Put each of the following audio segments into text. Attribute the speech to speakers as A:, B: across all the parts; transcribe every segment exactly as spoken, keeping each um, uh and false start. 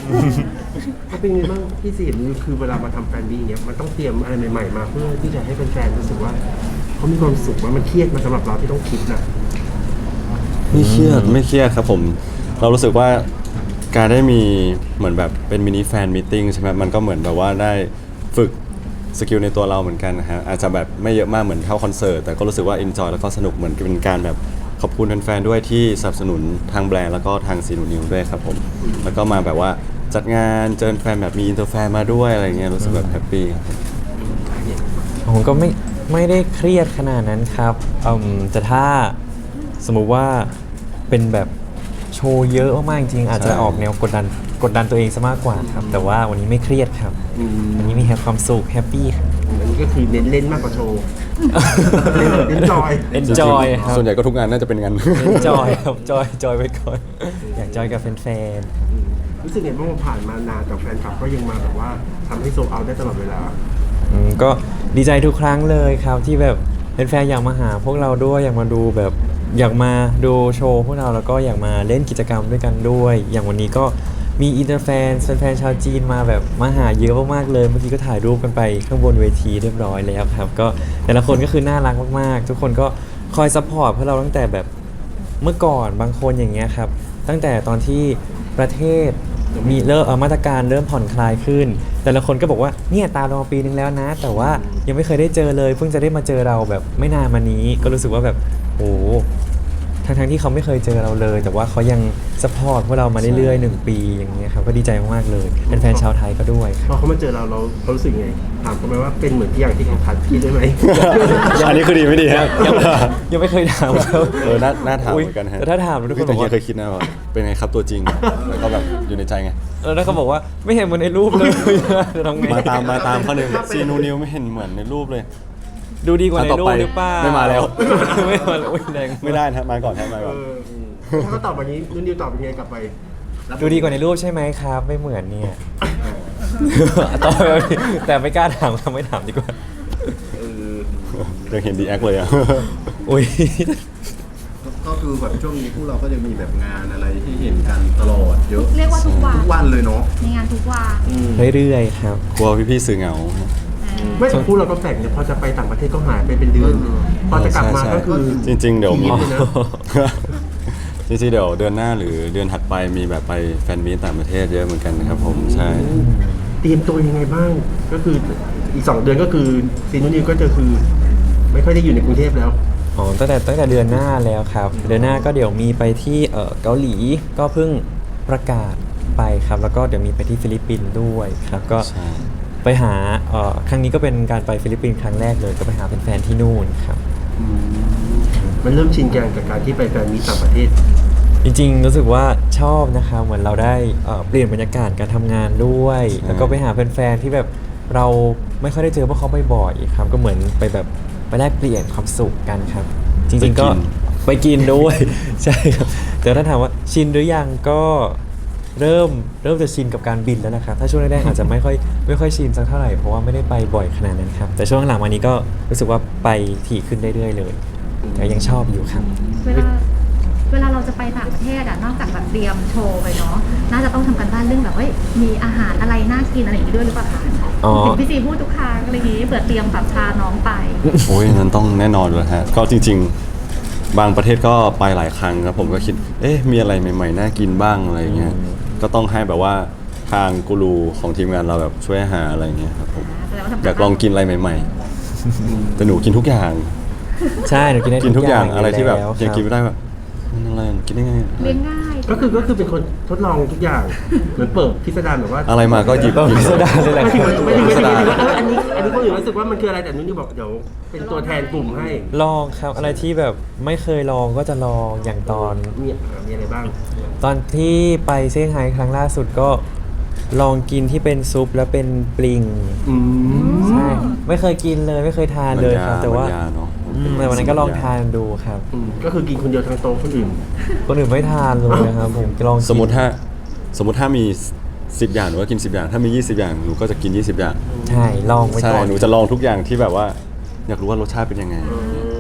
A: ก็เป็นไงบ้างพี่สินคือเวลามาทำแฟนบี้อย่างเงี้ยมันต้องเตรียมอะไรใหม่ๆมาเพื่อที่จะให้แฟนๆรู้สึกว่าเขามีความสุขว่ามันเครียดมาสำหรับเราที่ต้องคิดนะ
B: ไม่เครียดไม่เครียดครับผมเรารู้สึกว่าการได้มีเหมือนแบบเป็นมินิแฟนมีตติ้งใช่ไหมมันก็เหมือนแบบว่าได้ฝึกสกิลในตัวเราเหมือนกันนะฮะอาจจะแบบไม่เยอะมากเหมือนเท่าคอนเสิร์ตแต่ก็รู้สึกว่าเอนจอยแล้วก็สนุกเหมือนเป็นการแบบขอบคุณแฟนๆด้วยที่สนับสนุนทางแบรนด์แล้วก็ทางซีนูนิวด้วยครับผมแล้วก็มาแบบว่าจัดงานเจอแฟนแบบมีอินเตอร์แฟนมาด้วยอะไรเงี้ยรู้สึกแบบแฮปปี้ครับ
C: ผมก็ไม่ไม่ได้เครียดขนาดนั้นครับอืมแต่ถ้าสมมุติว่าเป็นแบบโชว์เยอะมากๆจริงๆอาจจะออกแนวกดดันกดดันตัวเองซะมากกว่าครับแต่ว่าวันนี้ไม่เครียดครับวันนี้มีแฮปความสุขแฮปปี้ครับ
A: อันนี้ก็คือเน้นเล่นมากกว่าโชว์เน้นจอย
C: เอนจอยครับ
B: ส่วนใหญ่ก็ทุกงานน่าจะเป็นงาน
C: เอนจอยครับจอยจอยไปก่อนอยากจอยกับแฟน
A: ๆรู้สึกไงบ้างว่าผ่านมานานแต่แฟนคลับก็ยังมาแบบว่าทำให้โซลเอาท์ได้ตลอดเวลา
C: อืมก็ดีใจทุกครั้งเลยครับที่แบบเป็นแฟนอยากมาหาพวกเราด้วยอยากมาดูแบบอยากมาดูโชว์พวกเราแล้วก็อยากมาเล่นกิจกรรมด้วยกันด้วยอย่างวันนี้ก็มีอินเตอร์แฟนแฟนชาวจีนมาแบบมาหาเยอะมากๆเลยเมื่อกี้ก็ถ่ายรูปกันไปข้างบนเวทีเรียบร้อยแล้วครับก็แต่ละคนก็คือน่ารักมากๆทุกคนก็คอยซัพพอร์ตพวกเราตั้งแต่แบบเมื่อก่อนบางคนอย่างเงี้ยครับตั้งแต่ตอนที่ประเทศมีเริ่มมาตรการเริ่มผ่อนคลายขึ้นแต่ละคนก็บอกว่าเนี่ยตามเรามาปีนึงแล้วนะแต่ว่ายังไม่เคยได้เจอเลยเพิ่งจะได้มาเจอเราแบบไม่นานมานี้ก็รู้สึกว่าแบบโอ้ทั้งๆที่เขาไม่เคยเจอเราเลยแต่ว่าเขายังซัพพอร์ตพวกเรามาเรื่อยๆหนึ่งปีอย่างเงี้ยครับก็ดีใจมากๆเลยเป็นแฟนชาวไทยก็ด้วย
A: พอเขามาเจอเราเราเขารู้สึกไงถามเขาไหมว่าเป็นเหมือนที่อย่างที่เขาคัดคิดได้ไหม
B: อันนี้คือดีไม่ดีฮะ
C: ยังยังไม่เคยถามเขา
B: เออน่าน่าถามเหมือนกันฮะ
C: แต่ถ้าถามทุกคนบอกว่า
B: เคยคิดนะว่าเป็นไงครับตัวจริงแล้วก็แบบอยู่ในใจไง
C: เออแล้วเขาบอกว่าไม่เห็นเหมือนในรูปเลยจะทำไง
B: มาตามมาตามเขาหนึ่งซีนูนิวไม่เห็นเหมือนในรูปเลย
C: ดูดีกว่าในรูปหรือเปล่า
B: ไม่มาแล้ว
C: ไม่มาแล้วแรง
B: ไม่ได้นะมาก่อนนะมาก่อน
A: ถ้าเขาตอบวันนี้นุ่นนิวตอบเป็นไงกลับไป
C: ดูดีกว่าในรูปใช่ไหมครับไม่เหมือนเนี่ยตอบแบบนี้แต่ไม่กล้าถามทำไม่ถามดีกว่า
B: เดี๋ยวเห็นดีแอคเลยอ่ะ
C: อุ้ย
D: ก็คือแบบช่วงนี้พวกเราก็จะมีแบบงานอะไรที่เห็นกันตลอดเยอะ
E: เรียกว่าทุกวัน
D: ทุกวันเลยเนาะ
E: มีงานทุกวัน
C: เรื่อยๆครับ
B: กลัวพี่ๆสื่อเหงา
A: ไม่แต่พูดเราก็แปลกเนี่ยพอจะไปต่างประเทศก็หายไปเป็นเดือนพอจะกลับมาก็คือ
B: จริงๆเดี๋ยวมีจริงๆเดี๋ยวเดือนหน้าหรือเดือนถัดไปมีแบบไปแฟนมีตต่างประเทศเยอะเหมือนกันนะครับผมใช่
A: เตรียมตัวยังไงบ้างก็คืออีกสองเดือนก็คือซีนูนิวก็จะคือไม่ค่อยได้อยู่ในกรุงเทพแล้ว
C: อ๋อตั้งแต่ตั้งแต่เดือนหน้าแล้วครับเดือนหน้าก็เดี๋ยวมีไปที่เอ่อเกาหลีก็เพิ่งประกาศไปครับแล้วก็เดี๋ยวมีไปที่ฟิลิปปินส์ด้วยครับก็ไปหาเอ่อครั้งนี้ก็เป็นการไปฟิลิปปินส์ครั้งแรกเลยก็ไปหาแฟนๆที่นู่นครับ
A: มันเริ่มชินกันกับการที่ไปแฟนมีต่างประเทศ
C: จริงๆรู้สึกว่าชอบนะครับเหมือนเราได้เอ่อเปลี่ยนบรรยากาศการทำงานด้วยแล้วก็ไปหาแฟนๆที่แบบเราไม่ค่อยได้เจอพวกเขาบ่อยๆครับก็เหมือนไปแบบไปแลกเปลี่ยนความสุขกันครับจริงๆก็ไปกินด้วยใช่ครับแต่ถ้าถามว่าชินหรือยังก็เริ่มเริ่มจะชินกับการบินแล้วนะครับถ้าช่วงแรกๆอาจจะไม่ค่อยไม่ค่อยชินสักเท่าไหร่เพราะว่าไม่ได้ไปบ่อยขนาดนั้นครับแต่ช่วงหลังมานี้ก็รู้สึกว่าไปถี่ขึ้นเรื่อยๆเลยแต่ยังชอบอยู่ครับ
E: เวลาเวลาเราจะไปต่างประเทศอะนอกจากแบบเตรียมโชว์ไปเนาะน่าจะต้องทำกันบ้านเรื่องแบบว่ามีอาหารอะไรน่ากินอะไรอย่างนี้ด้วยหรือเปล่าคะ
C: อ๋อ
E: พี่ซีพูดทุกครั้งอะไรอย่างนี้เผื่อเตรียมแบบพาน้องไป
B: โอ้ยนั้นต้องแน่นอนเลยฮะก็จริงๆบางประเทศก็ไปหลายครั้งครับผมก็คิดเอ๊ะมีอะไรใหม่ๆน่ากินบ้างอะไรเงี้ยก็ต้องให้แบบว่าทางกูรูของทีมงานเราแบบช่วยหาอะไรเงี้ยครับผมอยากลองกินอะไรใหม่ๆแต่หนูกินทุกอย่าง
C: ใช่หนูกินได้
B: กินทุกอย่างอะไรที่แบบยังกินไม่ได้แบบมันอะไรกินได้ไง
E: เลี้ยงง่าย
A: ก็คือก็คือเป็นคนทดลองทุกอย่างเหมือนเปิดพิสดารแบบว่า
B: อะไรมาก็หยิบ
C: พิสดารเลยแหละ
A: ไม่ถึงไม่ถึงไม่ถึงอันนี้อันนี้คนอื่นรู้สึกว่ามันคืออะไรแต่นุ่นนี่บอกเดี๋ยวเป็นตัวแทนกลุ่มให้
C: ลองครับอะไรที่แบบไม่เคยลองก็จะลองอย่างตอน
A: มีมีอะไรบ้าง
C: ตอนที่ไปเซี่ยงไฮ้ครั้งล่าสุดก็ลองกินที่เป็นซุปแล้วเป็นปลิงใช่ไม่เคยกินเลยไม่เคยทานเลยครับแต่ว่าแต่วันนั้นก็ลองทานดูครับ
A: ก็คือกินคนเดียวทางโต๊ะคนอื่น
C: คนอื่นไม่ทานเลยนะครับผมลอง
B: สมมติถ้าสมมติถ้ามีสิบอย่างหนูก็กินสิบอย่างถ้ามียี่สิบอย่างหนูก็จะกินยี่สิบอย่าง
C: ใช่ลองไว้ก่อน
B: ใช่หนูจะลองทุกอย่างที่แบบว่าอยากรู้ว่ารสชาติเป็นยังไง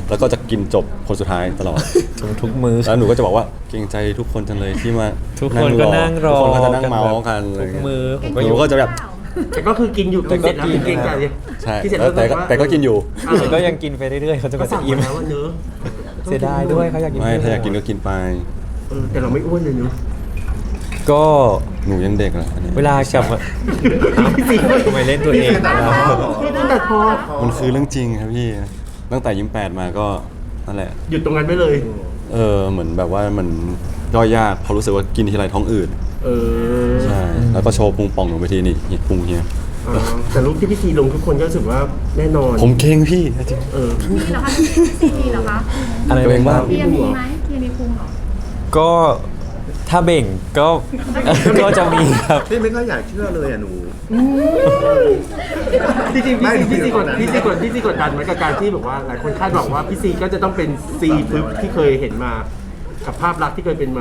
B: แล้วก็จะกินจบคนสุดท้ายตลอด
C: ทุกทุกมือ
B: แล้วหนูก็จะบอกว่าเกรงใจทุกคนจังเลยที่มา
C: ทุกคนก็นั่งรอ
B: ทุกคนก็จะนั่งเมาส์กันอะไร
C: ทุก
B: เงี้ย
C: มือผม
B: ห
C: ก็อ
B: นู
C: ยู่
B: ก็จะแบบ
A: แต่ก็คือกินอยู่
C: แต่
A: กิน
C: ก็
A: เสร็จแล้ว
C: กิน
A: เกรงใจเลย
B: ใช่
A: กินเสร็จ
B: แล้วแต่ก็
A: บบว่า
B: แต่ก็กินอยู่
A: เออ
C: แต่ก็ยังกินไปเรื่อยๆเขาจะ
A: ก็
C: มา
A: สั่
C: จะ
A: ง
C: อิ่ม
A: มาแล้วว่าเนื้อะ
C: เสียดายด้วยเขาอยากกิน
B: ไม่
C: เย
B: ถ้าอยากกินก็กินไป
A: เออแต่เราไม่อ้วนเลยเนอะ
C: ก็
B: หนูยังเด็กแหละอันนี้
C: เวลากลับมาทำไมเล่นตัวเอง
D: พี่เสียดาย
C: เรา
A: แต่พอ
B: มันคือเรื่องจริงครับพี่ ตั้งแต่ยิ้มแปดมาก็นั่นแหละ
A: หยุดตรงนั้นไปเลย
B: เออเหมือนแบบว่ามันย่อยยากเพราะรู้สึกว่ากินทีไรท้องอืด
A: เออ
B: ใช่แล้วก็โชว์พุงป่องลงไปทีนี่เห็นพุงเฮีย
A: อ๋อแต่รูปที่พี่ซีลงทุกคนก็รู้สึกว่าแน่นอน
B: ผมเก่งพี่จริง
A: เออ
E: มีเหรอคะซีมีเหรอคะ
C: อะไร
B: ตัวเอง
C: บ้า
B: บ้าง ง
E: เทียมีไหมเทียมีพุงเหรอ
C: ก็ถ้าเบ่งก็ ก็จะมีครับ
D: พี่ไม่ค่อยอยากเชื่อเลยอ่ะหนู
A: จริงๆ
D: ไม่
A: พี่ซีพี่ซีกด
D: ไม่
A: พี่ซีกดพี่ซีกดดันไหมกับการที่แบบว่าหลายคนคาดหวังว่าพี่ซีก็จะต้องเป็นซีพึบที่เคยเห็นมากับภาพลักษณ์ที่เคยเป็นมา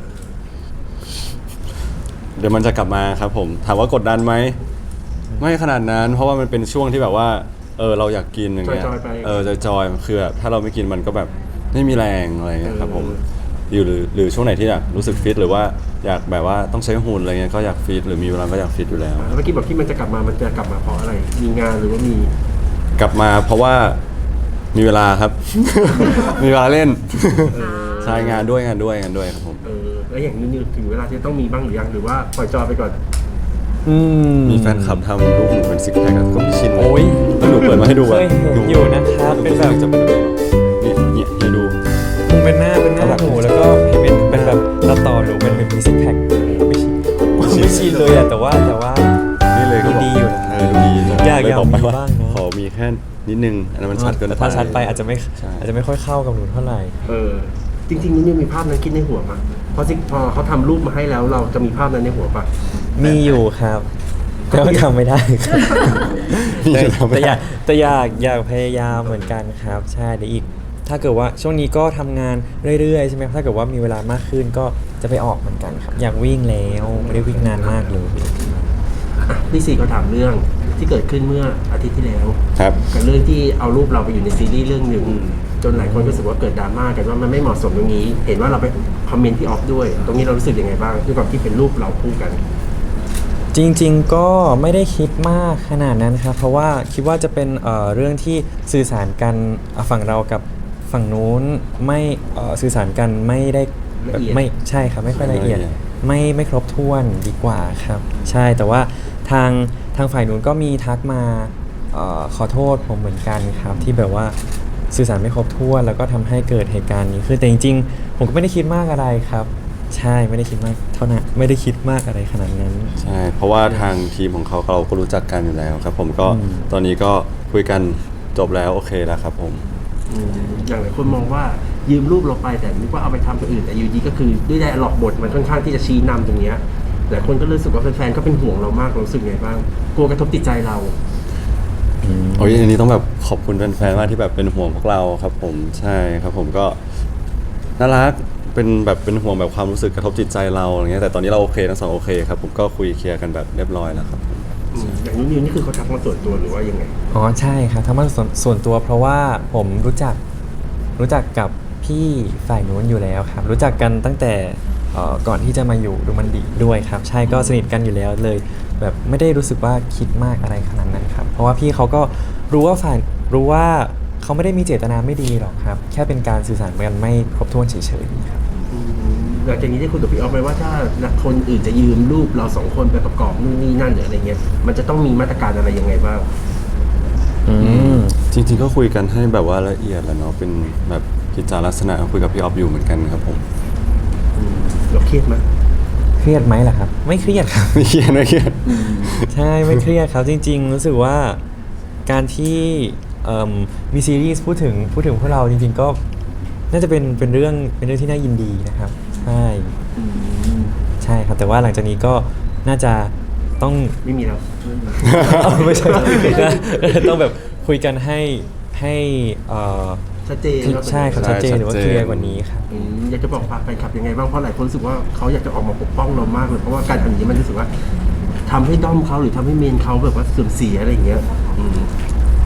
B: เดี๋ยวมันจะกลับมาครับผมถามว่ากดดันไหมไม่ขนาดนั้น เพราะว่ามันเป็นช่วงที่แบบว่าเออเราอยากกินอย่างเงี้ย
A: จอยๆไป
B: เออจอยๆคือแบบถ้าเราไม่กินมันก็แบบไม่มีแรงอะไรเงี้ยครับผม
A: เออ
B: อยู่หรือหรือช่วงไหนที่อยากรู้สึกฟิตหรือว่าอยากแบบว่าต้องใช้หุ่นอะไรเงี้ยก็อยากฟิตหรือมีเวลาก็อยากฟิตอยู่แล้ว
A: แล้วเมื่อกี้บอกที่มันจะกลับมามันจะกลับมาเพราะอะไร มีงานหรือว่ามี
B: กลับมาเพราะว่ามีเวลาครับ มีเวลาเล่นใช่งานด้วยงานด้วยงานด้วยครับผม
A: เออแล้วอย่างนี้ถึงเวลาที่ต้องมีบ้างหรือยังหรือว่าปล่อยจอยไปก่อน
C: อืม
B: มีแฟนคลับทำรูปหนูเป็นซิกแพคกับพี่ชิน
C: โอ้ย
B: แล้วหนูเปิดมาให้ดู
C: เค
B: อะ
C: ยเห็นอยู่นะครับ
B: ห
C: เป็นแบบ
B: จะเป็นแบบนี่เนี่ยให้ดู
C: คงเป็นหน้าเป็นหน้าหนูแล้วก็เห็นเป็นเป็นแบบตัดต่อหนูเป็นเป็นมีซิกแพคไม่ชินไม่ชินเลยอะแต่ว่าแต่ว่า
B: นี่เลยก็บอก
C: ดีอยู่นะ
B: เออดูดี
C: อยาก
B: เล
C: อยาก
B: บอกไป
C: มี
B: ว่า
C: บ้างนะ
B: ขอมีแค่นิดนึงอันนั้นมันชัดเกินไป
C: แต่ถ้าชัดไปอาจจะไม่
B: ใช่
C: อาจจะไม่ค่อยเข้ากับหนูเท่าไหร่
A: เออ จริงๆนี่มีภาพนั้นคิดในหัวปะพอสิพอเขาทำรูปมาให้แล้วเราจะมีภาพนั้นในหัวปะ
C: มีอยู่ครับ แต่ว่าทำไม่ได้ครับ
B: นี่
C: แต่
B: ทำไม่
C: แต่อ
B: ได้
C: ยากแต่อยากอยากพยายามเหมือนกันครับ ใช่เดี๋ยวอีก ถ้าเกิดว่าช่วงนี้ก็ทำงานเรื่อยๆใช่ไหมถ้าเกิดว่ามีเวลามากขึ้นก็จะไปออกเหมือนกันครับ อยากวิ่งแล้วไม่ได้วิ่งนานมากเลย
A: อ่ะพี่ซีเขาถามเรื่องที่เกิดขึ้นเมื่ออาทิตย์ที่แล้ว
B: ครับ
A: กับเรื่องที่เอารูปเราไปอยู่ในซีรีส์เรื่องหนึ่งจนหลายคนรู้สึกว่าเกิดดราม่ากันว่ามันไม่เหมาะสมตรงนี้ เห็นว่าเราไปคอมเมนต์ที่ออฟด้วย ตรงนี้เรารู้สึกยังไงบ้างด้วยความที่เป็นรูปเราคู่กัน
C: จริงๆก็ไม่ได้คิดมากขนาดนั้นครับ เพราะว่าคิดว่าจะเป็นเอ่อเรื่องที่สื่อสารกันอ่ะฝั่งเรากับฝั่งนู้นไม่เอ่อสื่อสารกันไม่ได้
A: ละเอียด
C: ไม่ใช่ครับไม่ค่อยละเอียด
B: ละเอียด
C: ไม่ไม่ครบถ้วนดีกว่าครับ ใช่แต่ว่าทางทางฝ่ายนู้นก็มีทักมาเอ่อขอโทษผมเหมือนกันครับที่แบบว่าสื่อสารไม่ครบถ้วนแล้วก็ทำให้เกิดเหตุการณ์นี้คือแต่จริงๆ ผมก็ไม่ได้คิดมากอะไรครับ ใช่ไม่ได้คิดมากเท่านั้นไม่ได้คิดมากอะไรขนาดนั้น
B: ใช่เพราะว่าทางทีมของเขาเราก็รู้จักกันอยู่แล้วครับผมก็
C: อืม
B: ตอนนี้ก็คุยกันจบแล้วโอเคแล้วครับผม
A: อืมอย่างหลายคนมองว่ายืมรูปเราไปแต่นึกว่าเอาไปทำตัวอื่นแต่อยู่ดีก็คือด้วยไดอะล็อกบทมันค่อนข้างที่จะชี้นำตรงเนี้ยหลายคนก็รู้สึกว่าแฟนๆก็เป็นห่วงเรามากเรารู้สึกไงบ้างกลัวกระทบจิตใจเรา
B: โอ้ยอันนี้ต้องแบบขอบคุณแฟนๆมากที่แบบเป็นห่วงพวกเราครับผมใช่ครับผมก็น่ารักเป็นแบบเป็นห่วงแบบความรู้สึกกระทบจิตใจเราอะไรเงี้ยแต่ตอนนี้เราโอเคทั้งสองโอเคครับผมก็คุยเคลียร์กันแบบเรียบร้อยแล้วครับผม
A: อืมอย่างนี้นิวนี่คือเขาทักมาส่วนตัวหรือว่ายังไง
C: อ๋อใช่ครับทำมาส่วนส่วนตัวเพราะว่าผมรู้จักรู้จักกับพี่ฝ่ายนู้นอยู่แล้วครับ รู้จักกันตั้งแต่เอ่อก่อนที่จะมาอยู่ดูมันดีด้วยครับ ใช่ก็สนิทกันอยู่แล้วเลย แบบไม่ได้รู้สึกว่าคิดมากอะไรขนาดนั้นครับ เพราะว่าพี่เขาก็รู้ว่าฝ่ายรู้ว่าเขาไม่ได้มีเจตนาไม่ดีหรอกครับ แค่เป็นการสื่อสารกันไม่ครบถ้วนเฉยๆครับ
A: อืมหลังจากนี้ได้คุยกับพี่ออฟไหมว่าถ้าคนอื่นจะยืมรูปเราสองคนไปประกอบนู่นนี่นั่นหรืออะไรเงี้ยมันจะต้องมีมาตรการอะไรยังไงบ้าง
C: อืม
B: จริง ๆ ก็คุยกันให้แบบว่าละเอียดแหล้วเนาะเป็นแบบกิจจาลักษณะคุยกับพี่ออฟอยู่เหมือนกันครับผม
A: อืมเราเครียดไหม
C: เครียดไหมล่ะครับ ไม่เครียดครับ
B: ไม่เครียดไม่เครียด
C: ใช่ไม่เครียดครับจริงๆ รู้สึกว่าการที่เอิ่มมีซีรีส์พูดถึงพูดถึงพวกเราจริงๆก็น่าจะเป็นเป็นเรื่องเป็นเรื่องที่น่ายินดีนะครับ ใช่ใช่ครับแต่ว่าหลังจากนี้ก็น่าจะต้อง
A: ไม่มีแล้ว
C: ไม่ใช่ต้องแบบคุยกันให้ให้เอ่อ
A: ชัดเจนแล้ว
C: ใช่ครับ
B: ใช่
C: ชัดเจนหรือว่า
B: ชัด
C: เค
B: เจน
C: ลียร์กว่านี้ครับ
A: อืมอยากจะบอกฝากแฟนคลับยังไงบ้างเพราะหลายคนรู้สึกว่าเขาอยากจะออกมาปกป้องเรามากเลยเพราะว่าการทำอย่างนี้มันรู้สึกว่าทำให้ด้อมเขาหรือทำให้เมนเขาแบบว่าเสื่อมเสียอะไรอย่างเงี้ยอืม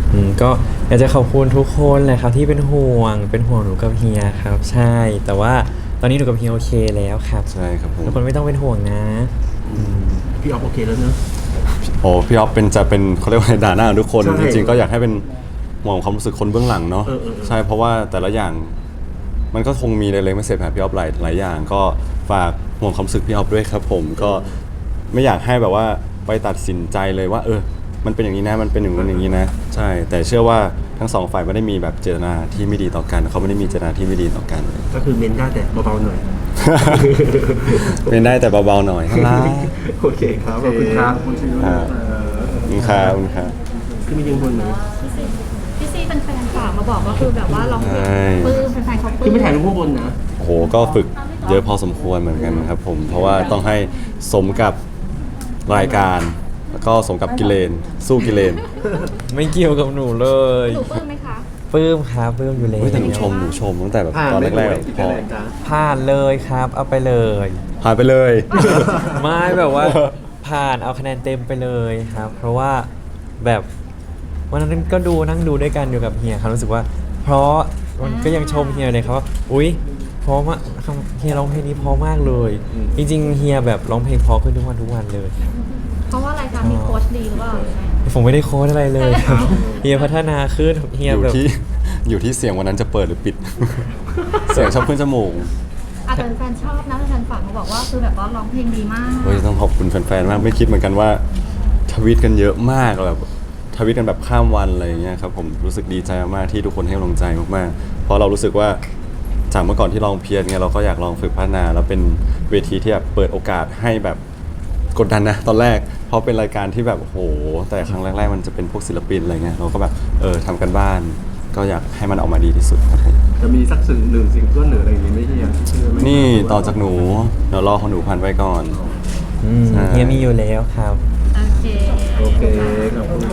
C: อืมก็อยากจะขอบคุณทุกคนเลยครับที่เป็นห่วงเป็นห่วงหนูกับเฮียครับ ใช่ แต่ว่าตอนนี้หนูกับเฮียโอเคแล้วครับ
B: ใช่ครับผม
C: ทุกคนไม่ต้องเป็นห่วงนะ
A: พี่ออฟโอเคแล้วเนอะ
B: โอ้พี่ออฟเป็นจะเป็นเขาเรียกว่าด่าหน้าทุกคน
A: ใช่
B: จริงๆก็อยากให้เป็นห่วงความรู้สึกคนเบื้องหลังเนาะ
A: เออเออเออ
B: ใช่เพราะว่าแต่ละอย่างมันก็คงมีเล็กๆไม่เสร็จแบบพี่ออฟหลายหลายอย่าง ก็ฝากห่วงความรู้สึกพี่ออฟด้วยครับผมก็ไม่อยากให้แบบว่าไปตัดสินใจเลยว่า เออ มันเป็นอย่างนี้นะมันเป็นอย่างนั้นอย่างนี้นะ ใช่ แต่เชื่อว่าทั้งสองฝ่ายไม่ได้มีแบบเจตนาที่ไม่ดีต่อกันเขาไม่ได้มีเจตนาที่ไม่ดีต่อกัน
A: ก็คือเมนได้แต่เบาๆหน่อย
B: เป็นได้แต่เบาๆหน่อยครับ
A: โอเคครับ ขอบคุณครับ
D: คุณชิว
B: อ่า ขอบคุณครับขอบคุณครับ
A: คือมียิงบนไหม
E: พี่ซีเป็นแฟนฝากมาบอกว่าคือแบบว่าร้องเพลง
B: ใช่
E: ปลื้มแฟนๆเขาปลื้
A: คือ
E: ม
A: ไม่ถ่ายรูปข้างบนนะ
B: โอ้โห ก็ฝึกเยอะพอสมควรเหมือนกันครับผม เพราะว่าต้องให้สมกับรายการ แล้วก็สมกับกิเลน สู้กิเลน
C: ไม่เกี่ยวกับหนูเลย
E: หนูปลื้มไหมคะ
C: ปลื้มครับปลื้มอยู่แล้ว
B: เฮ้ยแต่หนูชมหนูชมตั้งแต่แบบ
D: ผ่าน
B: ตอน
D: ไม่
B: แร
D: ไหว
B: ก
D: กี่
B: ๆพ
D: คะ
B: อ
D: แนนจ๊ะ
C: ผ่านเลยครับ เอาไปเลย
B: ผ่านไปเลย
C: ไม่แบบว่าผ่านเอาคะแนนเต็มไปเลยครับ เพราะว่าแบบวันนั้นก็ดูนั่งดูด้วยกันอยู่กับเฮียครับรู้สึกว่า เพราะมันก็ยังชมเฮียเลยครับว่าอุ๊ยเพราะมากเฮียร้องเพลงนี้เพราะมากเลย จริงๆเฮียแบบร้องเพลงเพราะขึ้นทุกวันทุกวันเลย
E: เพราะว่ารายการมีโค้ชดีหรือเปล่า
C: ผมไม่ได้โค้ดอะไรเลยครับเฮียพัฒนาขึ้นเฮีย
B: อยู่
C: แบบ
B: ที่อยู่ที่เสียงวันนั้นจะเปิดหรือปิด เสียงชอบขึ้นจมูก
E: อาจจะแฟนชอบนะแฟนฝากมาบอกว่าคือแบบว่าร้องเพลงดีมาก
B: เฮ้ยต้องขอบคุณแฟนๆ มากไม่คิดเหมือนกันว่าทวีตกันเยอะมากแบบทวีตกันแบบข้ามวันอะไรอย่างเงี้ยครับผมรู้สึกดีใจมากๆที่ทุกคนให้กำลังใจมากๆ เพราะเรารู้สึกว่าจากเมื่อก่อนที่ลองเพียรเนี่ยเราก็อยากลองฝึกพัฒนา แล้วเป็นเวทีที่แบบเปิดโอกาสให้แบบกดดันนะตอนแรกเพราะเป็นรายการที่แบบโอ้โหแต่ครั้งแรกๆมันจะเป็นพวกศิลปินอะไรเงี้ยเราก็แบบเออทำกันบ้าน ก็อยากให้มันออกมาดีที่สุดครับผม
D: จะมีสักสิ่งหนึ่งสิ่งเพื่อนหรืออะไรอย่างนี้ไหม่เฮียเชื่อไหม
B: นี่ต่อจากหนูเดี๋ยวรอของหนูพันไว้ก่อน
C: อืม
B: ใช่
C: เฮียมีอยู่แล้วครับ
E: โอเค
D: โอเคขอบคุณ